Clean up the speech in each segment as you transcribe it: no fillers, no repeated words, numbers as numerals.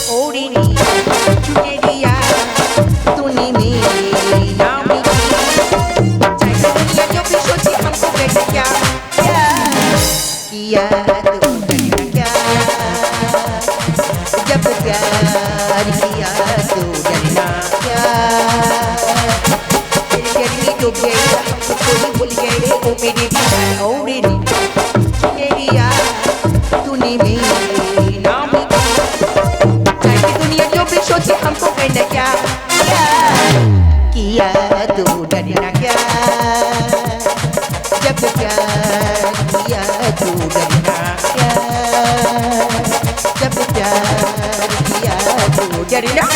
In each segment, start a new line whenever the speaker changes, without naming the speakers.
ओढ़नी चुनरिया तूने मेरे नाम की चाहे दुनिया जो भी सोचे हमको कहना क्या किया तो करना क्या जब प्यार किया तो डरना क्या तेरे डरने तो गए हमको कोई भूल गए ओ मेरे दीवार ओढ़नी चुनरिया तूने मेरे नाम की चाहे दुनिया जो भी सोचे हमको कहना क्या किया तो डरना क्या जब प्यार किया तो डरना क्या जब प्यार किया तो डरना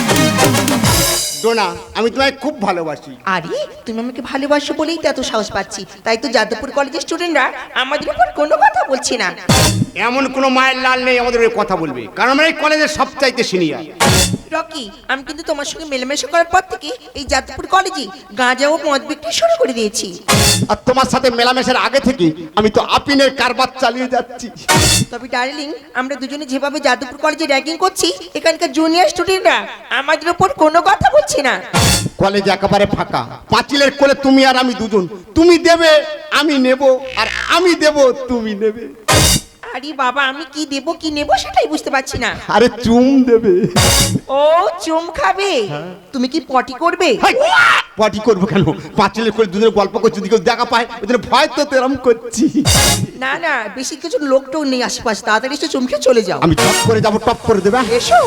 ডোনা আমি তোমায় খুব ভালোবাসি।
আরে তুমি আমাকে ভালোবাসো বলেই তো এত সাহস পাচ্ছি, তাই তো যাদবপুর কলেজের স্টুডেন্টরা আমাদের উপর কোনো কথা বলছে না।
এমন কোনো মায়ের লাল নেই আমাদের ওই কথা বলবে, কারণ আমরা এই কলেজের সবচাইতে সিনিয়র।
রকি, আমি কিন্তু তোমার সঙ্গে মেলামেশা করার পর থেকে এই যাদবপুর কলেজে গাঁজা ও মদ বিক্রি শুরু করে দিয়েছি।
আর তোমার সাথে মেলামেশার আগে থেকে আমি তো আপিনের কারবার চালিয়ে যাচ্ছি।
তবে ডার্লিং, আমরা দুজনে যেভাবে যাদবপুর কলেজে র্যাগিং করছি, এখানকার জুনিয়র স্টুডেন্টরা আমাদের উপর কোনো কথা বলছে না।
কলেজ একেবারে ফাঁকা, পাঁচিলের কোলে তুমি আর আমি দুজন, তুমি দেবে আমি নেব, আর আমি দেব তুমি নেবে।
আরে বাবা, আমি কি দেব কি নেব সেটাই বুঝতে পারছি না।
আরে চুম দেবে।
ও চুম খাবে? তুমি কি পটি করবে?
পটি করবো কেন? পাঁচিলের কোলে দুজনে গল্প করছি, দিকে দেখা পায়, ওই জন্য ভয় তো তেরম করছি।
না না, বেশি কিছু লোকটাও নেই আশেপাশে, তাড়াতাড়ি এসে চুমকে চলে যাও।
আমি টপ করে যাবো, টপ করে দেবে।
এসো।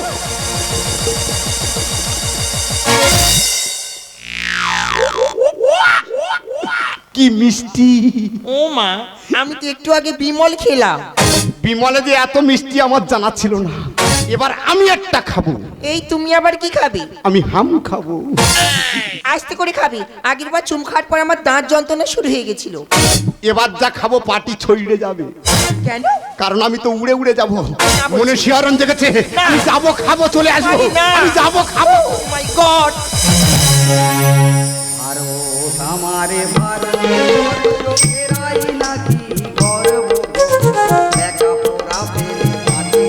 কি মিষ্টি!
ও মা, আমি তো একটু আগে বিমল খেলাম।
বিমলে যে এত মিষ্টি আমার জানা ছিল না। এবার আমি একটা খাবো।
এই তুমি আবার কি খাবে?
আমি হাম খাবো।
আস্তে করে খাবে, আগের বার চুম খাওয়ার পর আমার দাঁত যন্ত্রণা শুরু হয়ে গেছিল।
এবার যা খাবো পাটি ছড়িয়ে যাবে।
কেন?
কারণ আমি তো উড়ে উড়ে যাবো। মনে শিহরণ জেগেছে, আমি যাবো খাবো চলে আসবো, আমি যাবো খাবো।
Oh my god!
আরো আমারে ভারতে চোখেরাই নাকি গর্ব দেখা পোড়া ফেলে মাটি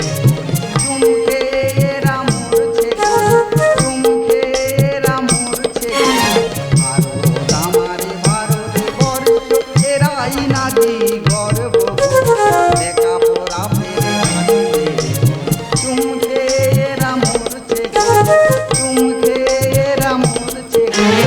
চুমকে এরা মরছে, চুমকে এরা মরছে। আরো আমারে ভারতে চোখেরাই নাকি গর্ব দেখা পোড়া ফেলে মাটি চুমকে এরা মরছে, চুমকে এরা মরছে।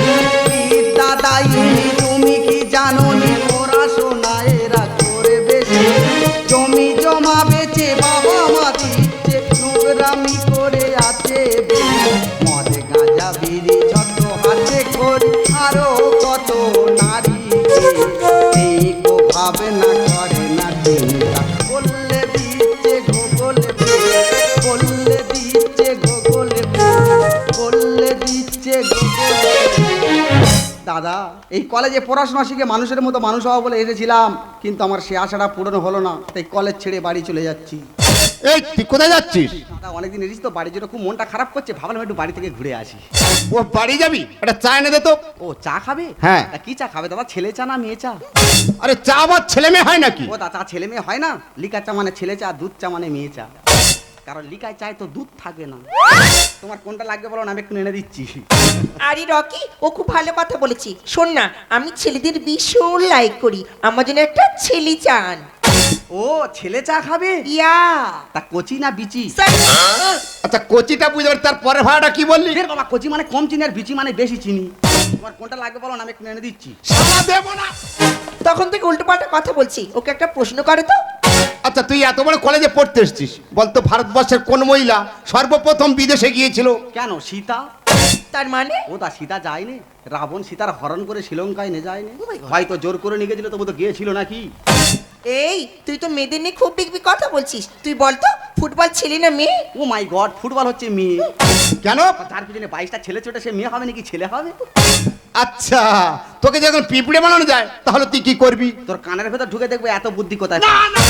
দাদাইনি তুমি কি জানো নি পড়াশোনা এরা করে বেশি জমি জমা বেচে বাবা মা দিচ্ছে নোংরামি করে আছে মদ গাঁজা বিড়ি ছোট হাতে করি আরো কত নারী এই গো ভাবনা করে না চিন্তা বললে দিচ্ছে গুগলে বললে দিচ্ছে গুগলে বললে দিচ্ছে গুগলে। দাদা, এই কলেজে পড়াশোনা শিখে মানুষের মতো মানুষ হওয়া বলে এসেছিলাম, কিন্তু আমার সে আশাটা পূরণ হলো না, তাই কলেজ ছেড়ে বাড়ি চলে যাচ্ছি।
এই তুই কোথায় যাচ্ছিস?
দাদা, অনেকদিন এসেছি তো, বাড়ির জন্য খুব মনটা খারাপ করছে, ভাবলাম একটু বাড়ি থেকে ঘুরে আসি।
ও বাড়ি যাবি? একটা চা এনে দে তো।
ও চা খাবে?
হ্যাঁ।
তা কি চা খাবে দাদা, ছেলে চা না মেয়ে চা?
আরে চা আবার ছেলে মেয়ে হয় নাকি?
ও দাদা, ছেলে মেয়ে হয় না, লিকার চা মানে ছেলে চা, দুধ চা মানে মেয়ে চা। কারণ লিকায় চায় তো দুধ থাকে না। তোমার কোনটা লাগবে বলো না, আমি একটু এনে দিচ্ছি।
আরে রকি, ও খুব ভালো কথা বলেছি। শোন না, আমি ছেলেদের ভীষণ লাইক করি, আমার জন্য একটা ছেলে চান।
ও ছেলে চা খাবে?
ইয়া।
তা কচি না বিচি?
আচ্ছা কচিটা বুঝতে পারি, তার পরে ভাড়াটা কি বললি?
ফের বাবা, কচি মানে কম চিনি আর বিচি মানে বেশি চিনি। তোমার কোনটা লাগবে বলো না, আমি একটু এনে দিচ্ছি।
সালা দেবো না।
তখন থেকে উল্টোপাল্টা কথা বলছি, ওকে একটা প্রশ্ন করে তো।
আচ্ছা তুই এত বড় কলেজে পড়তে এসেছিস, বলতো ভারতবর্ষের কোন মহিলা সর্বপ্রথম বিদেশে গিয়েছিল?
কেন সীতা?
তার মানে?
ও দা সীতা যায়নি, রাবণ সীতার হরণ করে শ্রীলঙ্কায় নিয়ে যায়নি, হয়তো জোর করে নিয়ে গেছিল, তবু তো গিয়েছিল নাকি?
এই তুই তো মেয়েদের নিয়ে খুব বিগ কথা বলছিস, তুই বলতো ফুটবল ছেলে না মেয়ে?
ও মাই গড, ফুটবল হচ্ছে মেয়ে।
কেন?
তার পিছনে 22টা ছেলে ছোটে, সে মেয়ে হবে নাকি ছেলে হবে?
আচ্ছা তোকে যখন পিঁপড়ে বানানো যায় তাহলে তুই কি করবি?
তোর কানের ভেতর ঢুকে দেখবে এত বুদ্ধি কোথায়।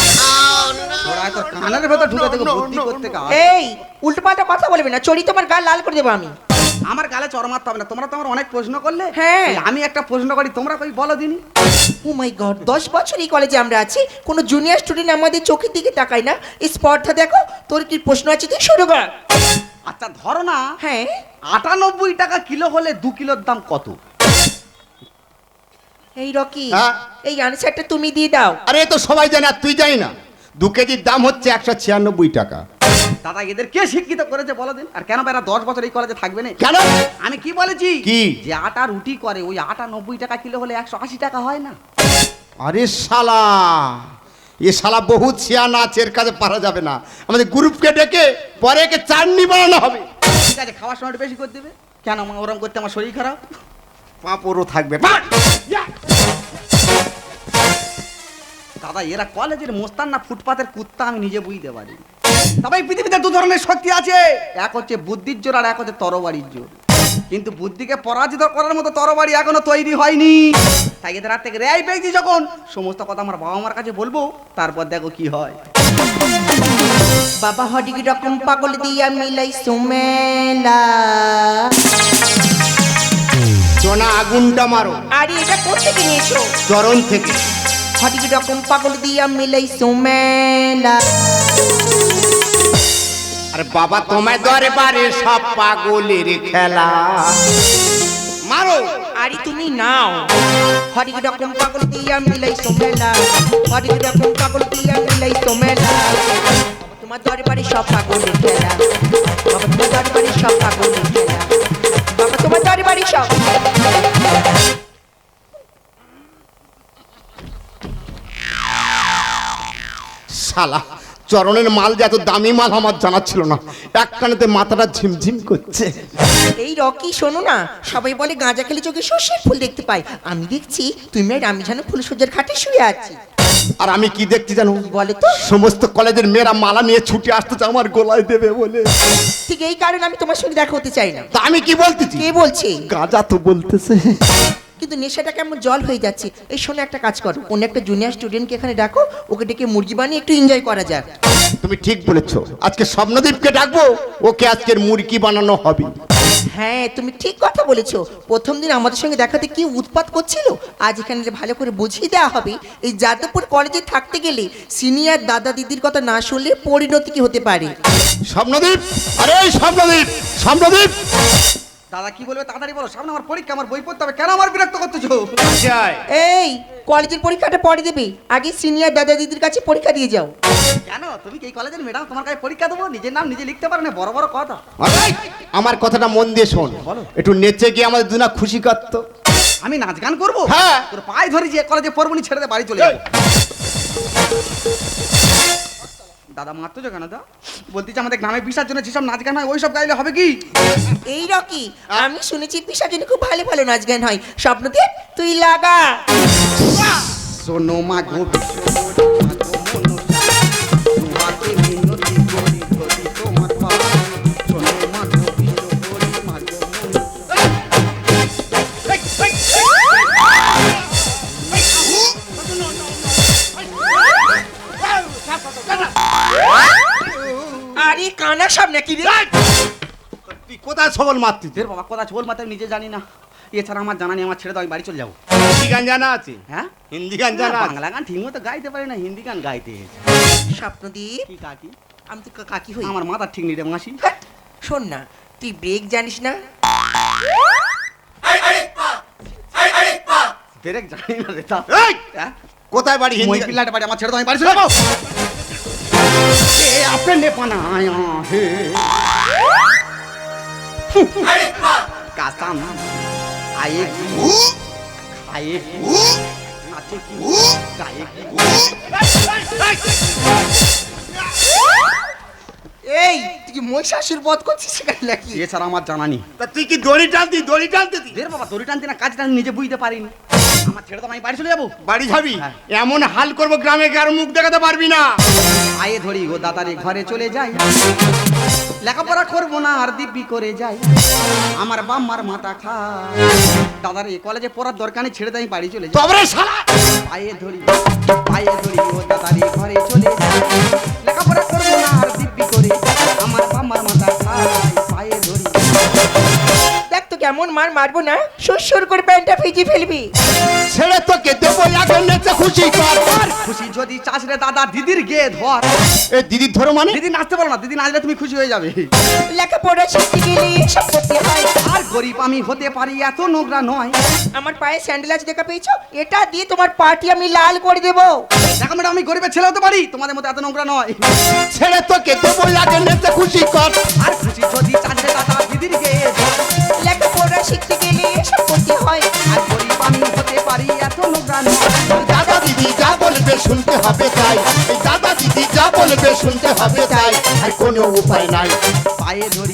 তোর কানের ভেতর ঢুকে দেখবে বুদ্ধি করতে।
এই উল্টোপাল্টা কথা বলবি না, চড়ি তোমার গা লাল করে দেবো আমি।
আমার গালে চড় মারতে হবে না, তোমরা তো আমার অনেক প্রশ্ন করলে।
হ্যাঁ।
এই আমি একটা প্রশ্ন করি, তোমরা কই বলো দিনি।
ও মাই গড, 10 বছর এই কলেজে আমরা আছি, কোনো জুনিয়র স্টুডেন্ট আমাদের চোখের দিকে তাকায় না। এই স্পটটা দেখো, তোর কি প্রশ্ন আছে তুই শুরু কর।
আচ্ছা ধরো না,
হ্যাঁ
98 টাকা কিলো হলে 2 কিলোর দাম কত?
এই রকি,
হ্যাঁ?
এই আনসারটা তুমি দিয়ে দাও।
আরে এ তো সবাই জানে, আর তুই জানি না। 2 কেজির দাম হচ্ছে 196 টাকা।
দাদা এদের কে শিক্ষিত করেছে বলো দিন? আর কেন এরা 10 বছর এই কলেজে থাকবে না?
কেন?
আমি কি বলেছি?
কি?
যে আটা রুটি করে ওই আটা 90 টাকা কিলো হলে 180 টাকা হয় না?
আরে শালা, এ শালা বহুত শিয়ানা আছে, এর কাছে পারা যাবে না। আমাদের গ্রুপকে ডেকে পরে একে চাটনি বানানো হবে।
ঠিক আছে, খাওয়ার সময় একটু বেশি করে দেবে। কেন মা ওরম করতে আমার শরীর খারাপ?
পাঁপড়ও থাকবে।
দাদা এরা কলেজের মোস্তান না ফুটপাতের কুত্তা আমি নিজে বুঝতে পারি। তবে এই পৃথিবীতে দু ধরনের শক্তি আছে, এক হচ্ছে বুদ্ধির জোর আর এক হচ্ছে তরবারির জোর। কিন্তু বুদ্ধিকে পরাজিত করার মতো তরবারি এখনো তৈরি হয়নি। তাই এদের হাত থেকে রেহাই পেয়েছি যখন, সমস্ত কথা আমার বাবা মার কাছে বলবো, তারপর দেখো কি হয়।
বাবা হডিক রকম পাগল দিয়া মিলাই সুমেলা।
সোনা আগুনটা মারো।
আরে এটা কোথেকে নিয়েছো?
চরণ থেকে।
হডিক রকম পাগল দিয়া মিলাই সুমেলা।
আরে বাবা তোমায় দরবারে সব পাগলের খেলা। মারো।
আরে তুমি নাও। হডিক রকম পাগল দিয়া মিলাই সুমেলা। হডিক রকম পাগল দিয়া মিলাই সুমেলা। তোমার দরবারে সব পাগলের খেলা। বাবা তোমার দরবারে সব পাগলের খেলা। বাবা তোমার দরবারে সব।
শালা চরণের মাল যে এত দামি মাল আমার জানা ছিল না। এক কানেতে মাথাটা ঝিমঝিম করছে।
এই রকি শোনো না, সবাই বলে গাঁজা খেলে চোখে সর্ষের ফুল দেখতে পাই। আমি দেখছি তুমি আর আমি যেন ফুলসজ্জার ঘাটে শুয়ে আছি।
আর আমি কি দেখছি জানো?
বলে তো।
সমস্ত কলেজের মেয়েরা মালা নিয়ে ছুটে আসতেছে আমার গলায় দেবে বলে।
ঠিক এই কারণে আমি তোমার সঙ্গে দেখা হতে চাই না।
তা আমি কি বলতেছি?
কে বলছে?
গাঁজা তো বলতেছে।
কিন্তু নেশাটা কেমন জল হয়ে যাচ্ছে। এই শোনো একটা কাজ করো, অন্য একটা জুনিয়র স্টুডেন্টকে এখানে ডাকো, ওকে ডেকে মুরগি বানিয়ে একটু এনজয় করা যাক।
তুমি ঠিক বলেছো, আজকে স্বপ্নদীপকে ডাকবো, ওকে আজকের মুরগি বানানো হবে।
হ্যাঁ তুমি ঠিক কথা বলেছো। প্রথম দিন আমাদের সঙ্গে দেখাতে কি উৎপাত করছিল, আজ এখানে ভালো করে বুঝিয়ে দেওয়া হবে এই যাদবপুর কলেজে থাকতে গেলে সিনিয়র দাদা দিদির কথা না শুনলে পরিণতি কি হতে পারে।
স্বপ্নদীপ, আরে স্বপ্নদীপ, স্বপ্নদীপ।
দাদা কি বলবে তাড়াতাড়ি বলো, সামনে আমার পরীক্ষা, আমার বই পড়তে হবে। কেন আমার বিরক্ত করতেছো?
এই কলেজের পরীক্ষাটা পরে দেবে, আগে সিনিয়র দাদা দিদির কাছে পরীক্ষা দিয়ে যাও।
কেন তুমি কি এই কলেজের ম্যাডাম? তোমার কাছে পরীক্ষা দেবো? নিজের নাম নিজে লিখতে পারো না, বড় বড় কথা।
আরে, আমার কথাটা মন দিয়ে শোন।
বলো।
একটু নেচে গিয়ে আমাদের দুনা খুশি করতো।
আমি নাচ গান করবো?
হ্যাঁ।
তোর পায়ে ধরি যে কলেজে পড়বো নি, ছেড়ে দে, বাড়ি চলে যাবো। দাদা মারতো কেন? দা বলতেছি আমাদের গ্রামে বিশার জন্য যেসব নাচ গান হয় ওই সব গাইলে হবে কি?
এই রকি, আমি শুনেছি পিসার জন্য খুব ভালো ভালো নাচ গান হয়। স্বপ্নদীপ তুই লাগা।
শোনো মা গো তোমাকে মিনতি করি করি তোমার পায়ে। শোনো মা গো মা গো
আরে কানা সব নাকি রে?
তুই কোথায় সবল মারতি?
দের বাবা কথা চোল মাথায় নিজে জানি না, এছাড়া আমার জানা নেই। আমার ছেড়ে দাও, আমি বাড়ি চলে যাবো।
হিন্দি গান জানা আছে?
হ্যাঁ
হিন্দি গান জানা আছে?
বাংলা গান ঠিক মতো গাইতে পারি না, হিন্দি গান গাইতে।
স্বপ্নদীপ
কি কাকি?
আমি তো কাকি হই।
আমার মাথা ঠিক নেই রে মাসি।
হ্যাট, শোন না, তুই ব্রেক জানিস না?
ব্রেক জানি না রে তা।
এই!
হ্যাঁ?
কোথায় বাড়ি? হিন্দি
মই
গান?
পিল্লাটা বাড়ি, আমার ছেড়ে দাও, আমি বাড়ি চলে যাবো। এ আপনে পানায়া হে কাসাম আয়েগি খায়েগি নাচেগি গায়েগি।
এই তুই কি মহিষাসুর বধ করছিস সেখানে নাকি?
এছাড়া আমার জানা নেই।
তা তুই কি দড়ি টানতি? দড়ি টানতি?
দের বাবা দড়ি টানতে না, কাজটা আমি নিজে বুঝতে পারিনি। আমার ছেড়ে দাও, আমি বাড়ি চলে যাবো।
বাড়ি যাবি?
হ্যাঁ।
এমন হাল করবো গ্রামে কার মুখ দেখাতে পারবি না।
আয়ে ধরি ও দাদারে ঘরে চলে যাই, লেখাপড়া করবো না আর দিব্যি করে যাই। আমার বাম্মার মাথা খা দাদারে কলেজে পড়ার দরকার নেই, ছেড়ে দেয়, আমি বাড়ি চলে যাই।
তবে শালা
পায়ে ধরি ও দাদারে ঘরে চলে যাই, লেখাপড়া করবো না আর দিব্যি করে যাই। আমার বাম্মার মাথা খাই পায়ে ধরি।
এমন মার মারবো না সুর করে প্যান্টটা ভিজে ফেলবি।
ছেড়ে তোকে দেবো আগে নেচে খুশি কর।
খুশি যদি চাস রে দাদা দিদির গে ধর।
এ দিদির ধরো মানে?
দিদি নাচতে পারো না, দিদি নাচলে তুমি খুশি হয়ে যাবে।
লেখাপড়া শিখতে গেলে এসব করতে হয়।
আর গরিব আমি হতে পারি এত নোংরা নয়।
আমার পায়ে স্যান্ডেল আছে দেখা পেয়েছো? এটা দিয়ে তোমার পাটি আমি লাল করে দেবো।
দেখো ম্যাডাম আমি গরিবের ছেলে হতে পারি, তোমাদের মতো এত নোংরা নয়।
ছেড়ে তোকে দেবো আগে নেচে খুশি কর।
আর খুশি যদি চাস রে দাদা দিদির গে ধর।
লেখাপড়া শিখতে গেলে এসব করতে হয়।
আর গরিব আমি হতে পারি এত নোংরা নয়।
দাদা দিদি যা বলবে শুনতে হবে তাই। এই দাদা দিদি যা বলবে শুনতে হবে তাই। আর কোনো উপায় নাই।
পায়ে ধরি।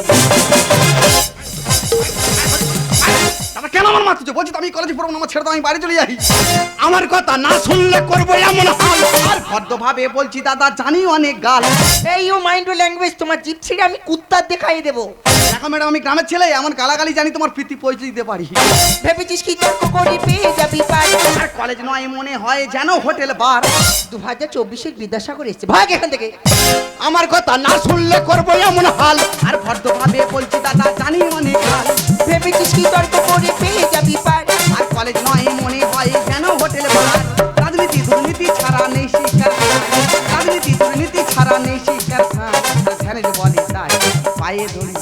দাদা কেন আমার মারছো? বলছি তো আমি কলেজে পড়বো না, আমার ছেড়ে দাও, আমি বাড়ি চলে যাই।
আমার কথা না শুনলে করবো এমন হাল।
আর ভদ্রভাবে বলছি দাদা জানি অনেক গাল।
এই ইউ মাইন্ড ল্যাঙ্গুয়েজ, তোমার জিপ ছিঁড়ে আমি কুত্তার দেখাই দেবো।
দেখো ম্যাডাম আমি গ্রামের ছেলে, এমন গালাগালি জানি তোমার প্রীতি পৌঁছে দিতে পারি।
ভেবেছিস কি তর্ক করে পেয়ে যাবি পার?
আর কলেজ নয় মনে হয় যেন হোটেল বার।
2024-এর বিদ্যাসাগর এসছে, ভাগ এখান থেকে।
আমার কথা না শুনলে করবো এমন হাল।
আর ভদ্রভাবে বলছি দাদা জানি অনেক গাল।
ভেবেছিস কি তর্ক করে পেয়ে যাবি পার?
আর কলেজ নয় মনে হয় যেন হোটেল বার। রাজনীতি দুর্নীতি ছাড়া নেই শিক্ষার স্থান। রাজনীতি দুর্নীতি ছাড়া নেই শিক্ষার স্থান। ধ্যানে যে বলি তাই পায়ে ধরি।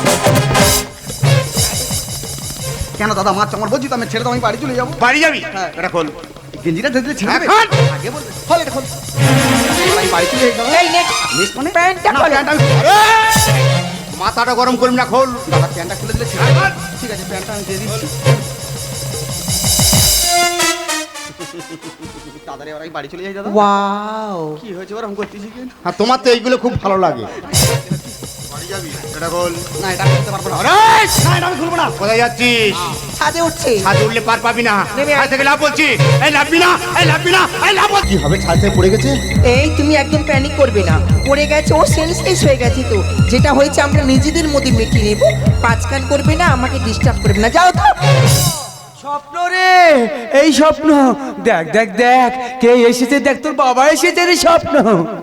কেন দাদা মাছ আমার বলছি তো আমি ছেড়ে দাও, আমি বাড়ি চলে যাবো।
বাড়ি যাবি?
হ্যাঁ।
এটা খোল।
গেঞ্জিটা ধরে ছেড়ে দেবে?
এখন?
আগে বলবে খোল এটা খোল। আমি বাড়ি চলে যাই দাদা।
এই নে
মিস মানে
প্যান্টটা
না,
খোল।
প্যান্ট আমি
মাথাটা গরম করবি না, খোল।
দাদা প্যান্টটা খুলে দিলে ছেড়ে দেবে? ঠিক আছে প্যান্টটা আমি দিয়ে দিচ্ছি। দাদারে এবার আমি বাড়ি চলে যাই দাদা।
ওয়াও,
কি হয়েছে ওরকম করতেছি কেন?
আর তোমার তো এইগুলো খুব ভালো লাগে। বাড়ি যাবি? এটা খোল।
না এটা করতে পারবো না।
আরে!
না এটা আমি খুলবো না।
কোথায় যাচ্ছিস?
ছাদে উঠছে।
ছাদে উঠলে পার পাবি না।
নেমে আয়।
ছাদ থেকে লাভ বলছি। এই লাভবি না, এই লাভবি না, এই লাভ কি হবে? ছাদ থেকে পড়ে গেছে।
এই তুমি একদম প্যানিক করবে না, পড়ে গেছে ও সেন্সলেস হয়ে গেছে। তো যেটা হয়েছে আমরা নিজেদের মধ্যে মিটিয়ে নেব। পাঁচকান করবে না, আমাকে ডিস্টার্ব করবে না, যাও তো।
স্বপ্ন রে, এই স্বপ্ন দেখ দেখ দেখ কে এসেছে, দেখ তোর বাবা এসেছে রে। স্বপ্ন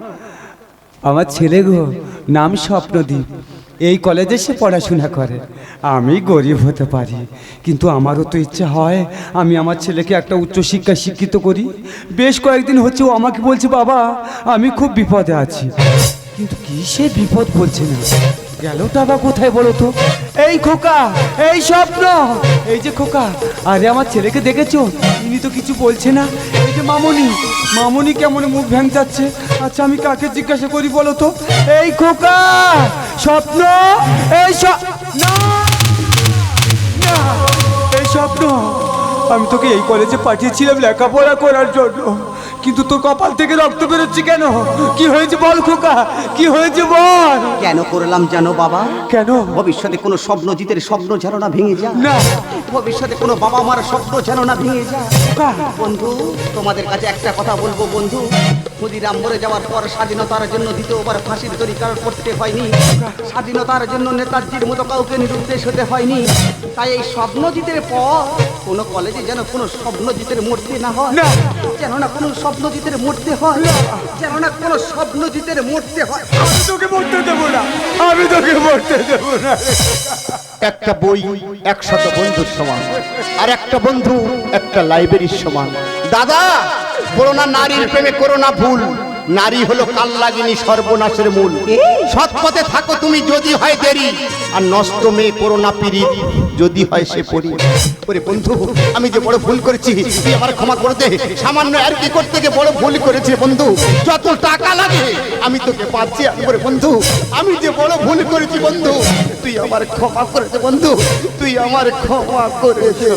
আমার ছেলে গো, নাম স্বপ্নদীপ। এই কলেজে সে পড়াশোনা করে। আমি গরিব হতে পারি, কিন্তু আমারও তো ইচ্ছা হয় আমি আমার ছেলেকে একটা উচ্চশিক্ষায় শিক্ষিত করি। বেশ কয়েকদিন হচ্ছে ও আমাকে বলছে বাবা আমি খুব বিপদে আছি, কিন্তু কি সে বিপদ বলছে না। গেলটা বা কোথায় বলো তো? এই খোকা, এই স্বপ্ন, এই যে খোকা। আরে আমার ছেলেকে দেখেছো? ইনি তো কিছু বলছে না। এই যে মামনি, মামনি কেমন মুখ ভ্যাংচাচ্ছে। আচ্ছা আমি কাকে জিজ্ঞাসা করি বলো তো? এই খোকা, স্বপ্ন, এই না না, এই স্বপ্ন, আমি তোকে এই কলেজে পাঠিয়েছিলাম লেখাপড়া করার জন্য, কিন্তু তোর কপাল থেকে রক্ত বেরোচ্ছে কেন? কি হয়েছে বল খোকা, কি হয়েছে বল?
কেন করলাম জানো বাবা?
কেন?
ভবিষ্যতে কোনো স্বপ্ন জিতের স্বপ্ন যেন না ভেঙে যায়।
না।
ভবিষ্যতে কোনো বাবা মার স্বপ্ন যেন না ভেঙে যায়।
খোকা,
বন্ধু তোমাদের কাছে একটা কথা বলবো বন্ধু, ক্ষুদিরাম মরে যাওয়ার পর স্বাধীনতার জন্য দ্বিতীয়বার ফাঁসির দড়ি কারণ করতে হয়নি। স্বাধীনতার জন্য নেতাজির মতো কাউকে নিরুদ্দেশ হতে হয়নি। তাই এই স্বপ্নজিতের পর কোনো কলেজে যেন কোনো স্বপ্নজিতের মূর্তি না হয়।
না।
যেন না কোনো স্বপ্নজিতের মূর্তি হয়। যেন না কোনো স্বপ্নজিতের মূর্তি হয়।
আমি তোকে মরতে দেবো না, আমি তোকে মরতে দেবো না।
একটা বই 100 বন্ধুর সমান, আর একটা বন্ধু একটা লাইব্রেরির সমান। দাদা বলো না নারীর প্রেমে করো না ভুল। নারী হলো কালনাগিনী, সর্বনাশের মূল। সৎ পথে থাকো তুমি যদি হয় দেরি, আর নষ্ট মেয়ে করো না পিরিত যদি হয় সে পরি। ওরে বন্ধু আমি যে বড় ভুল করেছি, তুই আমার ক্ষমা করে দে। সামান্য আর কি করতে গিয়ে বড় ভুল করেছি বন্ধু। যত টাকা লাগে আমি তোকে পাচ্ছি। ওরে বন্ধু আমি যে বড় ভুল করেছি বন্ধু, তুই আমার ক্ষমা করে দে বন্ধু, তুই আমার ক্ষমা করে দে।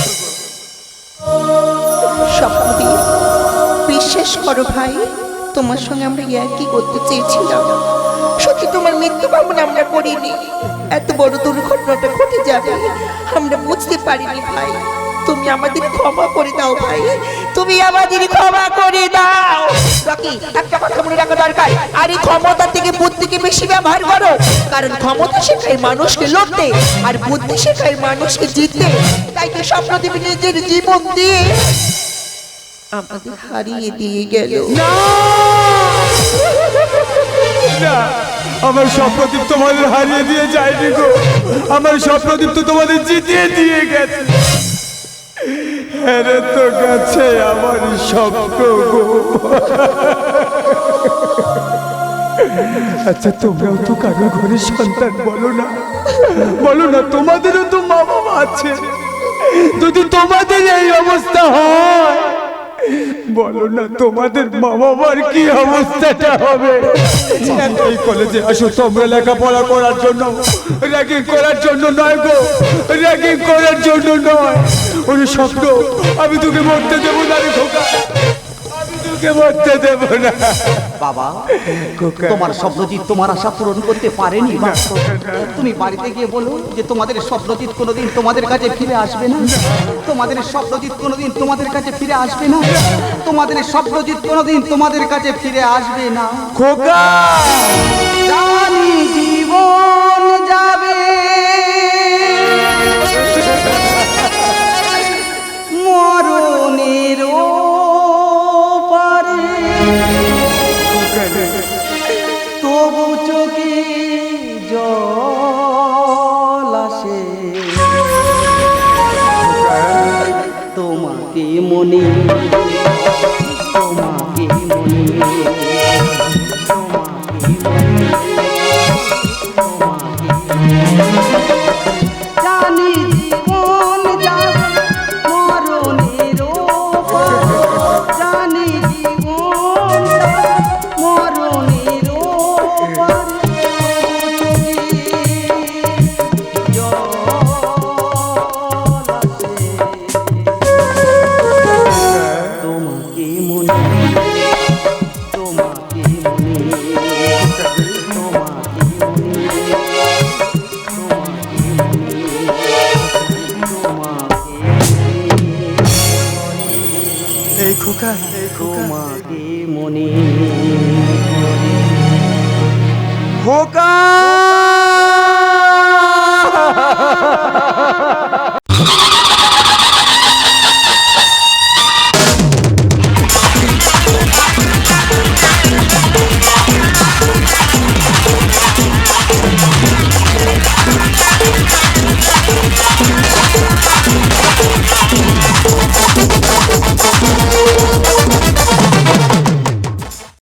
স্বপ্নদীপ, বিশ্বাস করো ভাই, তোমার সঙ্গে আমরা কি করতে চেয়েছিলাম। সত্যি তোমার মৃত্যু কামনা আমরা করিনি। এত বড় দুর্ঘটনাটা ঘটে যাবে আমরা বুঝতে পারিনি ভাই। তুমি আমাদের ক্ষমা করে দাও ভাই, তুমি আমাদের ক্ষমা করে দাও। রকি একটা কথা মনে রাখা দরকার, আর এই ক্ষমতা থেকে বুদ্ধিকে বেশি ব্যবহার করো, কারণ ক্ষমতা শেখায় মানুষকে লড়তে, আর বুদ্ধি শেখায় মানুষকে জিততে। তাই তো স্বপ্নদীপ নিজের জীবন দিয়ে আমাদের হারিয়ে দিয়ে গেল।
না আমার স্বপ্নদীপ তোমাদের হারিয়ে দিয়ে যায়নি গো, আমার স্বপ্নদীপ তো তোমাদের জিতিয়ে দিয়ে গেছে। হেরে তো গেছে আমার স্বপ্ন গো। আচ্ছা তোমরাও তো কারো ঘরের সন্তান, বলো না, বলো না, তোমাদেরও তো মা বাবা আছে। যদি তোমাদের এই অবস্থা হয়, বলো না তোমাদের মা বাবার কি অবস্থাটা হবে। এই কলেজে আসো তোমরা লেখাপড়া করার জন্য, র্যাগিং করার জন্য নয় গো, র্যাগিং করার জন্য নয়। ওই স্বপ্ন আমি তোকে মরতে দেবো না রে খোকা, আমি তোকে মরতে দেবো না।
বাবা, তোমার স্বপ্নজিৎ তোমার আশা পূরণ করতে পারেনি। তুমি বাড়িতে গিয়ে বলো যে তোমাদের স্বপ্নজিৎ কোনোদিন তোমাদের কাছে ফিরে আসবে না, তোমাদের স্বপ্নজিৎ কোনোদিন তোমাদের কাছে ফিরে আসবে না, তোমাদের স্বপ্নজিৎ কোনোদিন তোমাদের কাছে ফিরে আসবে না।
খোকা
জানি জীবন যাবে মরণের পারে, তবু চোখে জল আসে তোমাকে মনে, তোমাকে মনে, জানি জীবন যাবে মরণের পারে, জানি জীবন যাবে মরণের পারে, তোমাকে মনে, তোমাকে মনে,
এই খোকা, এই খোকা,
তোমাকে মনে।
খোকা।